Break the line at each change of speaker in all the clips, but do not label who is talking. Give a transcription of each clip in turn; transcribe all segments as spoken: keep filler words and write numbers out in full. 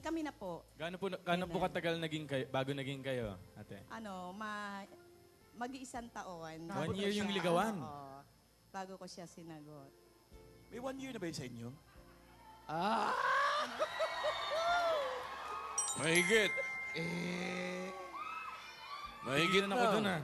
kami na po.
Gaano po, gaano po katagal naging kayo, bago naging kayo, ate?
Ano, ma mag-iisang taon.
One year yung ligawan.
Oo. Bago ko siya sinagot.
May one year na ba yun sa inyo?
Ah!
Mahigit.
Eh...
Mahigit
na ako
na.
dun, ah.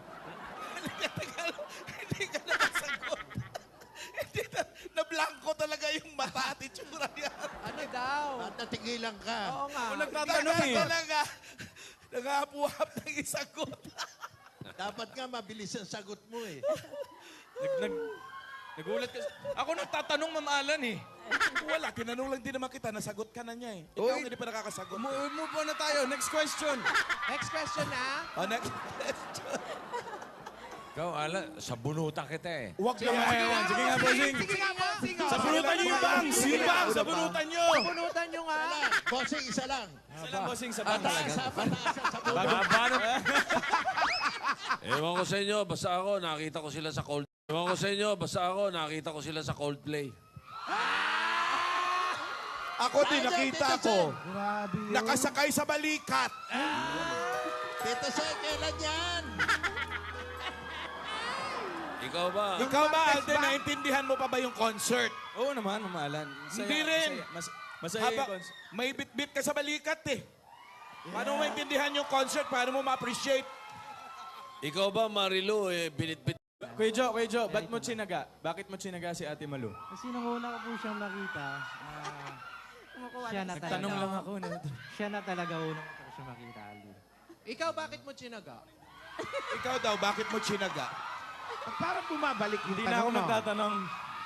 Hindi ka nakasagot. Hindi na, na-blanco talaga yung mata at itsura niya.
Ano daw?
At natigilan ka.
Oo nga.
Ako nagtatanong eh.
Talaga. Nakapuhap ng isagot.
Dapat nga mabilis ang sagot mo eh.
Nag, nag, nagulat ka. Ako nagtatanong, Ma'am Alan eh.
Wala, tinanong lang din naman kita, nasagot ka na niya eh. Ikaw
Uy.
hindi pa nakakasagot.
Mo- Move on na tayo. Next question.
Next question na.
Oh, next question.
Ikaw, ala, sa bunutan kita eh.
Huwag
Sige nga, ewan. Sige nga, bossing.
Sige nga, bossing.
Sa bunutan niyo yung bangs. Yung bangs, sa bunutan niyo.
Punutan nyo nga.
Wala. Bossing, isa lang.
Isa lang, bossing, sa bangs.
Pataas, ha? Pataas sa bulo.
Baba na. Ewan ko sa inyo, basta ako, nakita ko sila sa cold. Ewan ko sa inyo, basta ako, nakita ko sila sa Coldplay.
Ako din, nakita ko. Nakasakay sa balikat.
Tito Soy, kailan yan?
Ikaw ba?
Ikaw ba, Alden, naintindihan mo pa ba yung concert?
Oo naman, Ma'am Alan. Masaya,
Hindi rin.
Masaya, mas, masaya
Haba,
yung cons-
may bit-bit ka sa balikat eh. Paano mo maintindihan yung concert? Paano mo ma-appreciate?
Ikaw ba, Marilu, eh, binitbit?
Kuya Jo, Kuya Jo, ba't mo chinaga? Bakit mo chinaga si Ate Malu?
Kasi nung una ko po siyang nakita, ah,
Kumukuha
Siya
ng
na
isa.
Tanong lang ako. No?
siya na talaga unang ko siya makita, Ali.
Ikaw, bakit mo chinaga?
Ikaw daw, bakit mo chinaga?
Parang bumabalik yung
Hindi na ako magtatanong.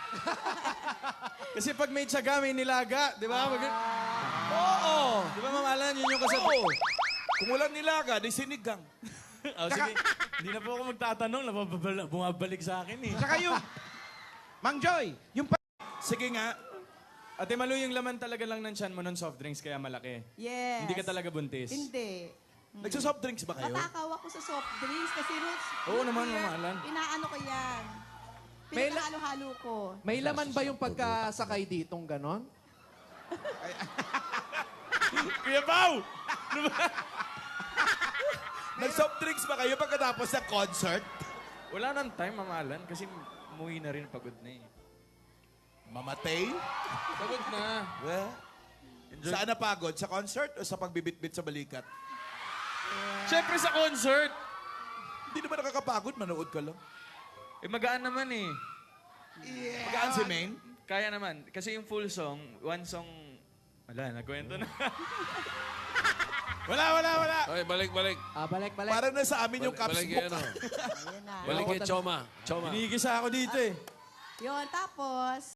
Kasi pag may tiyaga, may nilaga. Di ba? Mag- Oo! Di ba, Ma'am Alan, yun yung kasabi?
Oo. Kung walang nilaga, di sinigang.
Oh, sige. Hindi na po ako magtatanong. Nababal- Bumabalik sa akin eh.
Saka yung, Mang Joy, yung pa-
Sige nga.
Ate Malu, yung laman talaga lang ng tiyan mo ng soft drinks kaya malaki.
Yes.
Hindi ka talaga buntis.
Hindi.
Nagsasoft drinks ba kayo?
Natakaw ako sa soft drinks kasi roots.
Oo naman,
Root beer,
Mama Alan.
Inaano ko yan.
May la-
Pinakahalo-halo ko.
May laman ba yung pagkasakay ditong ganon?
Kuya Pao! Nag-soft drinks ba kayo pagkatapos ng concert?
Wala nang time, Ma'am Alan, kasi umuwi na rin pagod na eh.
Mamatay?
Pagod na.
Well, saan napagod? Sa concert o sa pagbibit-bit sa balikat?
Siyempre sa concert.
Hindi naman nakakapagod, manood ka lang.
Eh, magaan naman eh.
Magaan si Maine?
Kaya naman. Kasi yung full song, one song... Wala, nagkwento na.
Wala, wala, wala.
Oy, balik, balik.
Ah, balik, balik.
Parang nasa amin yung
Balik,
caps
balik
book.
kay ano.
Ayun na.
Balik kay Choma. Choma.
Hinigisa ako dito eh.
Yun, tapos,